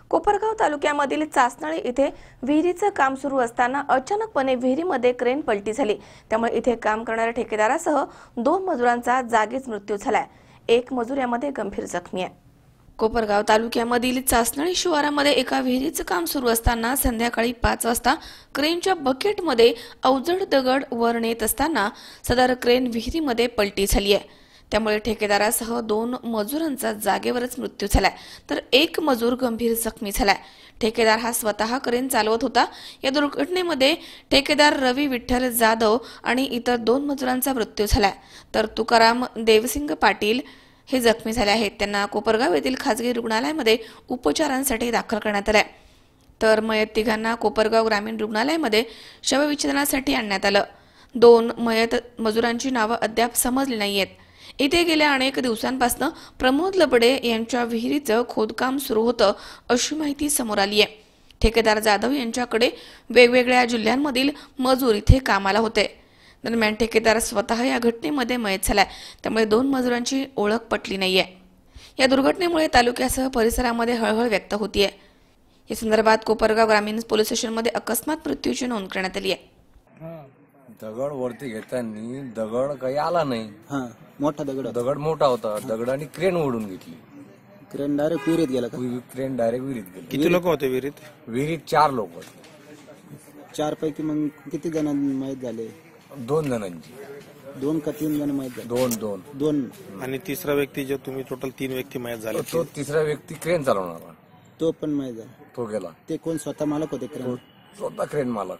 कोपरगाव तालुक्यामधील चासनळी इथे विहिरीचं काम सुरू असताना अचानकपणे विहिरीमध्ये क्रेन पलटी झाली। त्यामुळे इथे काम करणाऱ्या ठेकेदारासह 2 मजुरांचा जागीच मृत्यू झालाय। एक मजूर यामध्ये गंभीर जखमी आहे। कोपरगाव तालुक्यामधील चासनळी शिवारामध्ये एका विहिरीचं काम सुरू असताना संध्याकाळी 5 वाजता क्रेनच्या बकेटमध्ये अवजड दगड वर नेत असताना सदर क्रेन विहिरीमध्ये पलटी झाली आहे। त्यामुळे ठेकेदारासह 2 मजुरांचा जागेवरच मृत्यू झालाय, तर एक मजूर गंभीर जखमी झालाय। ठेकेदार हा स्वतः क्रेन चालवत होता। या दुर्घटनेमध्ये ठेकेदार रवी विठ्ठल जाधव आणि इतर 2 मजुरांचा मृत्यू झालाय, तर तुकाराम देवसिंग पाटील हे जखमी झाले आहेत। त्यांना कोपरगाव येथील खासगी रुग्णालयामध्ये उपचारांसाठी दाखल करण्यात आले, तर मयत तिघांना कोपरगाव ग्रामीण रुग्णालयामध्ये शवविच्छेदनासाठी आणण्यात आलं। 2 मयत मजुरांची नावे अद्याप समजली नाहीयेत। इथे गेल्या अनेक दिवसांपासून प्रमोद लबडे यांच्या विहिरीचं खोदकाम सुरू होतं अशी माहिती समोर आली आहे। ठेकेदार जाधव यांच्याकडे वेगवेगळ्या जिल्ह्यांमधील मजूर इथे कामाला होते। दरम्यान ठेकेदार स्वतः या घटनेमध्ये मयत झालाय, त्यामुळे 2 मजुरांची ओळख पटली नाहीये। या दुर्घटनेमुळे तालुक्यासह परिसरामध्ये हळहळ व्यक्त होतीये। या संदर्भात कोपरगाव ग्रामीण पोलीस स्टेशनमध्ये अकस्मात मृत्यूची नोंद करण्यात आली आहे। दगड वरती घेताना दगड काही आला नाही। मोठा दगड मोठा होता। दगडाने क्रेन ओढून घेतली। क्रेन डायरेक्ट विहिरीत गेला का? क्रेन डायरेक्ट विहिरीत गेली। किती लोक होते विहिरीत? विहिरीत 4 लोक होते। 4 पैकी मग किती जण माहित झाले? 2 जणांची। 2 का 3 जण माहित झाले? 2 आणि तिसरा व्यक्ती जो तुम्ही टोटल 3 व्यक्ती माहित झाले, तो तिसरा व्यक्ती क्रेन चालवणारा तो पण माहित झाला। तो गेला। ते कोण स्वतः मालक होते क्रेन? स्वतः क्रेन मालक।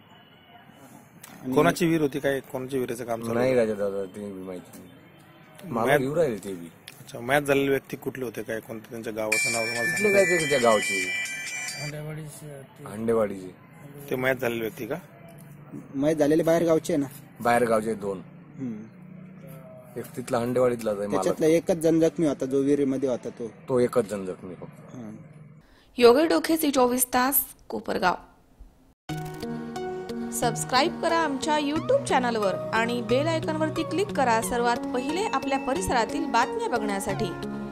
कोणाची विहीर होती? काय कोणाच्या विहिरीचं काम चालू? नाही राजा दादा, ते माहिती नाही मला। येऊ राहिले ते बी। अच्छा, मॅच झालेले व्यक्ती कुठले होते? काय कोणतं त्यांच्या गावाचं नाव तुम्हाला कुठले काय ते त्या गावचे? हंडेवाडीचे। ते मॅच झालेले व्यक्ती का? माहित झालेले बाहेर गावचे ना? बाहेर गावचे 2। एक तिथला हंडेवाडीतला आहे। त्याच्यातला एकच जण जखमी होता जो विहिरीमध्ये होता तो एकच जण जखमी फक्त। योगी डोकेची 24 तास कोपरगाव। सबस्क्राइब करा आमच्या YouTube चॅनलवर आणि बेल आयकॉनवरती क्लिक करा सर्वात पहिले आपल्या परिसरातील बातम्या बघण्यासाठी।